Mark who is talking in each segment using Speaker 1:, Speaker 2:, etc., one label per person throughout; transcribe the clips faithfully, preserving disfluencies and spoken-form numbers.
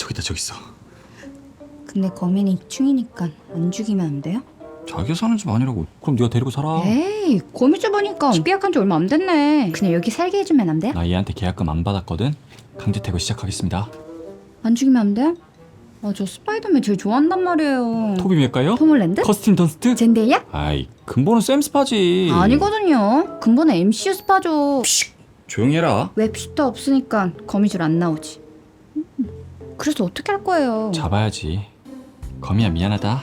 Speaker 1: 저기다 저기 있어.
Speaker 2: 근데 거민이 충이니까 안 죽이면 안 돼요?
Speaker 1: 자기가 사는 집 아니라고. 그럼 네가 데리고 살아.
Speaker 2: 에이 거미줄 보니까 계약한 지 얼마 안 됐네. 그냥 여기 살게 해주면 안 돼요?
Speaker 1: 나 얘한테 계약금 안 받았거든. 강제 퇴거 시작하겠습니다.
Speaker 2: 안 죽이면 안 돼요? 아 저 스파이더맨 제일 좋아한단 말이에요.
Speaker 1: 토비 맥가요?
Speaker 2: 톰 홀랜드?
Speaker 1: 커스틴 던스트?
Speaker 2: 젠데이야?
Speaker 1: 아이 근본은 샘 스파지.
Speaker 2: 아니거든요. 근본은 엠씨유 스파죠.
Speaker 1: 조용히 해라.
Speaker 2: 웹슈터 없으니까 거미줄 안 나오지. 음, 그래서 어떻게 할 거예요?
Speaker 1: 잡아야지. 거미야 미안하다.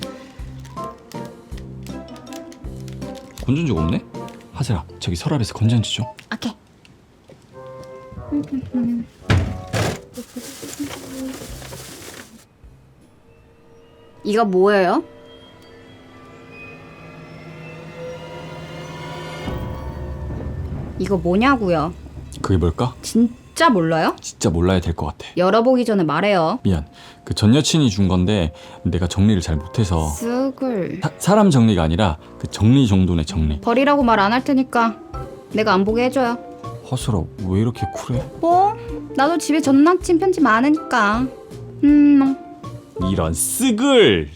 Speaker 1: 건전지가 없네? 하슬아 저기 서랍에서 건전지 좀.
Speaker 2: 오케이. 이거 뭐예요? 이거 뭐냐고요?
Speaker 1: 그게 뭘까?
Speaker 2: 진짜 몰라요?
Speaker 1: 진짜 몰라야 될 것 같아.
Speaker 2: 열어보기 전에 말해요.
Speaker 1: 미안. 그 전 여친이 준 건데 내가 정리를 잘 못해서.
Speaker 2: 쑥을
Speaker 1: 사, 사람 정리가 아니라 그 정리 정도네 정리.
Speaker 2: 버리라고 말 안 할 테니까 내가 안 보게 해줘요.
Speaker 1: 허슬아 왜 이렇게 쿨해?
Speaker 2: 뭐? 나도 집에 전 남친 편지 많으니까. 음.
Speaker 1: 이런 쓰글.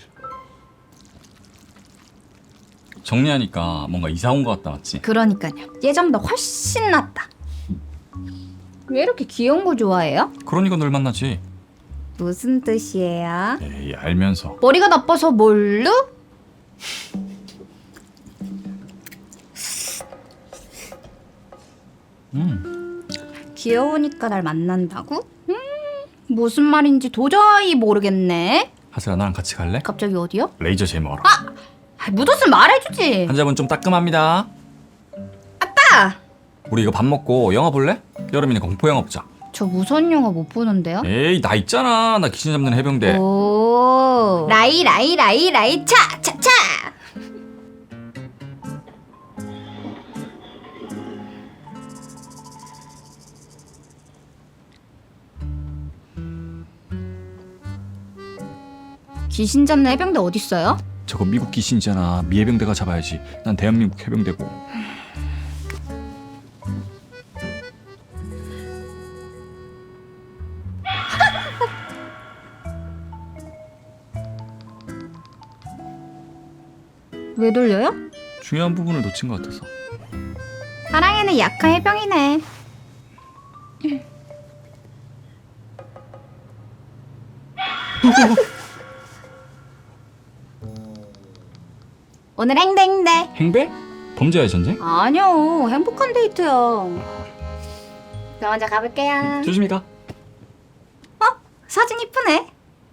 Speaker 1: 정리하니까 뭔가 이사 온 것 같다 맞지?
Speaker 2: 그러니까요. 예전보다 훨씬 낫다. 왜 이렇게 귀여운 거 좋아해요?
Speaker 1: 그러니까 널 만나지.
Speaker 2: 무슨 뜻이에요?
Speaker 1: 에이 알면서.
Speaker 2: 머리가 나빠서 뭘로?
Speaker 1: 음.
Speaker 2: 귀여우니까 날 만난다고? 음, 무슨 말인지 도저히 모르겠네.
Speaker 1: 하슬아 나랑 같이 갈래?
Speaker 2: 갑자기 어디요?
Speaker 1: 레이저 제모하러.
Speaker 2: 아, 묻었으면 말해주지.
Speaker 1: 환자분 좀 따끔합니다.
Speaker 2: 아빠!
Speaker 1: 우리 이거 밥 먹고 영화 볼래? 여름이니까 공포 영화 보자.
Speaker 2: 저 무서운 영화 못 보는데요?
Speaker 1: 에이 나 있잖아. 나 귀신 잡는 해병대.
Speaker 2: 오 라이 라이 라이 라이 차 차 차. 귀신 잡는 해병대 어딨어요?
Speaker 1: 저거 미국 귀신이잖아. 미 해병대가 잡아야지. 난 대한민국 해병대고.
Speaker 2: 왜 돌려요?
Speaker 1: 중요한 부분을 놓친 것 같아서.
Speaker 2: 사랑에는 약한 해병이네. 오늘 행대행대.
Speaker 1: 행배? 범죄와의 전쟁?
Speaker 2: 아니요, 행복한 데이트요. 저 먼저 가볼게요.
Speaker 1: 조심히 가.
Speaker 2: 어? 사진 이쁘네.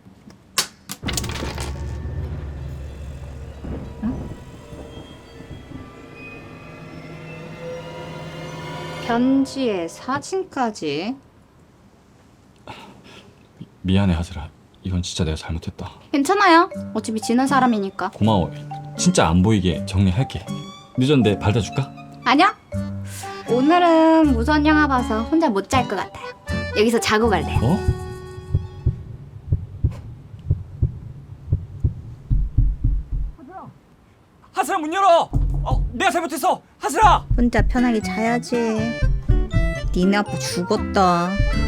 Speaker 2: 응? 편지에 사진까지.
Speaker 1: 미안해 하슬아. 이건 진짜 내가 잘못했다.
Speaker 2: 괜찮아요. 어차피 지는 사람이니까.
Speaker 1: 고마워. 진짜 안 보이게 정리할게. 늦었는데 발다 줄까?
Speaker 2: 아니요. 오늘은 무서운 영화 봐서 혼자 못 잘 것 같아요. 여기서 자고 갈래요.
Speaker 1: 어? 하슬아 문 열어. 어, 내가 잘못했어. 하슬아.
Speaker 2: 혼자 편하게 자야지. 니네 아빠 죽었다.